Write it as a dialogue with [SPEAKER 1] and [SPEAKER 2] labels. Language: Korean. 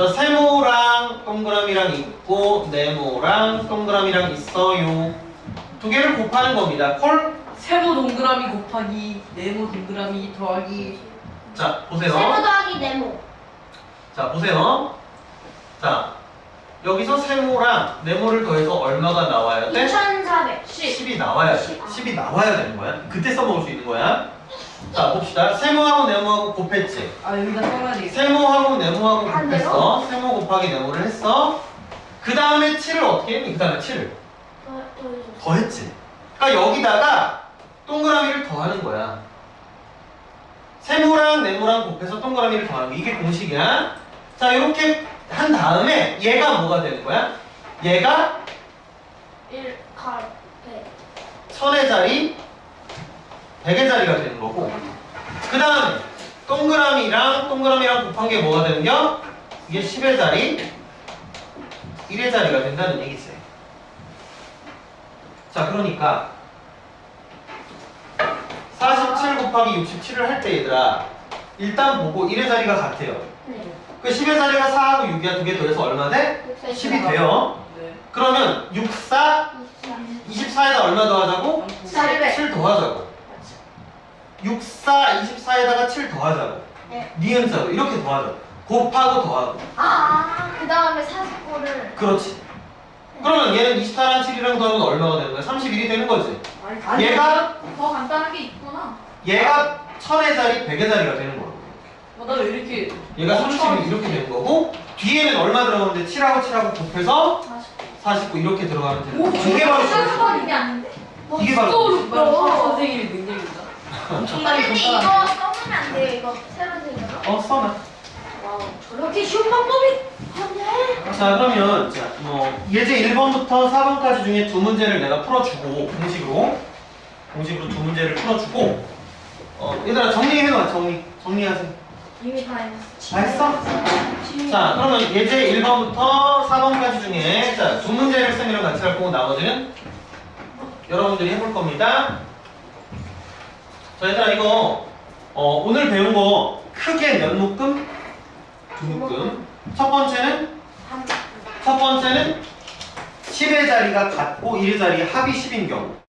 [SPEAKER 1] 자, 세모랑 동그라미랑 있고 네모랑 동그라미랑 있어요. 두 개를 곱하는 겁니다. 콜?
[SPEAKER 2] 세모 동그라미 곱하기 네모 동그라미 더하기.
[SPEAKER 1] 자, 보세요.
[SPEAKER 3] 세모 더하기 네모.
[SPEAKER 1] 자, 보세요. 자, 여기서 세모랑 네모를 더해서 얼마가 나와야 돼?
[SPEAKER 3] 2410.
[SPEAKER 1] 10이 나와야 돼. 10이 나와야 되는 거야. 그때 써먹을 수 있는 거야. 자, 봅시다. 세모하고 네모하고 곱했지.
[SPEAKER 2] 아 여기다 써놔야 되겠다.
[SPEAKER 1] 세모하고 네모하고
[SPEAKER 3] 아,
[SPEAKER 1] 곱했어. 세모 곱하기 네모를 했어. 그 다음에 7을 어떻게 했니? 그 다음에 7을 더했지. 그러니까 여기다가 동그라미를 더하는 거야. 세모랑 네모랑 곱해서 동그라미를 더하는 거. 이게 공식이야. 자, 이렇게 한 다음에 얘가 뭐가 되는 거야? 얘가
[SPEAKER 3] 1, 8, 100.
[SPEAKER 1] 1000의 자리, 100의 자리가 되는 거고, 그 다음에 동그라미랑 곱한 게 뭐가 되는겨? 이게 10의 자리, 1의 자리가 된다는 얘기지. 자, 그러니까 47 곱하기 67을 할 때 얘들아, 일단 보고 1의 자리가 같아요.
[SPEAKER 3] 네.
[SPEAKER 1] 그 10의 자리가 4하고 6이야. 두 개 더해서 얼마 돼? 10이 돼요.
[SPEAKER 2] 네.
[SPEAKER 1] 그러면 6, 4, 24에다 얼마 더하자고?
[SPEAKER 3] 400.
[SPEAKER 1] 7 더하자고. 6, 4, 24에다가 7 더하자고.
[SPEAKER 3] 네.
[SPEAKER 1] 니은자로 이렇게 더하자고. 곱하고 더하고.
[SPEAKER 3] 아, 그 다음에 49를.
[SPEAKER 1] 그렇지. 그러면 얘는 24랑 7이랑 더하면 얼마가 되는 거야? 31이 되는 거지.
[SPEAKER 2] 아니,
[SPEAKER 1] 얘가
[SPEAKER 2] 더 간단한 게 있구나.
[SPEAKER 1] 1000의 자리, 100의 자리가 되는 거야.
[SPEAKER 2] 나 왜 이렇게
[SPEAKER 1] 얘가 30이 이렇게 되는 거고, 뒤에는 얼마 들어가는데 7하고 곱해서 49 이렇게 들어가면 되는 거야. 이게 바로
[SPEAKER 3] 이게 아닌데?
[SPEAKER 1] 이게 바로
[SPEAKER 2] 선생님의 능력이다. 엄청나게
[SPEAKER 3] 선생님
[SPEAKER 2] 간단한.
[SPEAKER 3] 이거 써보면 안 돼요? 이거 새로 생긴 거?
[SPEAKER 1] 써놔.
[SPEAKER 3] 와우, 저렇게 쉬운 방법이 없네.
[SPEAKER 1] 자, 그러면 자, 예제 1번부터 4번까지 중에 두 문제를 내가 풀어주고 공식으로 두 문제를 풀어주고 얘들아 정리해놔. 정리하세요.
[SPEAKER 3] 이미 다 했어.
[SPEAKER 1] 다 했어? 자, 그러면 예제 1번부터 4번까지 중에 자, 두 문제를 쌤이랑 같이 할 거고 나머지는 여러분들이 해볼 겁니다. 자, 얘들아 이거 오늘 배운 거 크게 몇 묶음? 두 묶음. 첫 번째는 10의 자리가 같고 1의 자리 합이 10인 경우.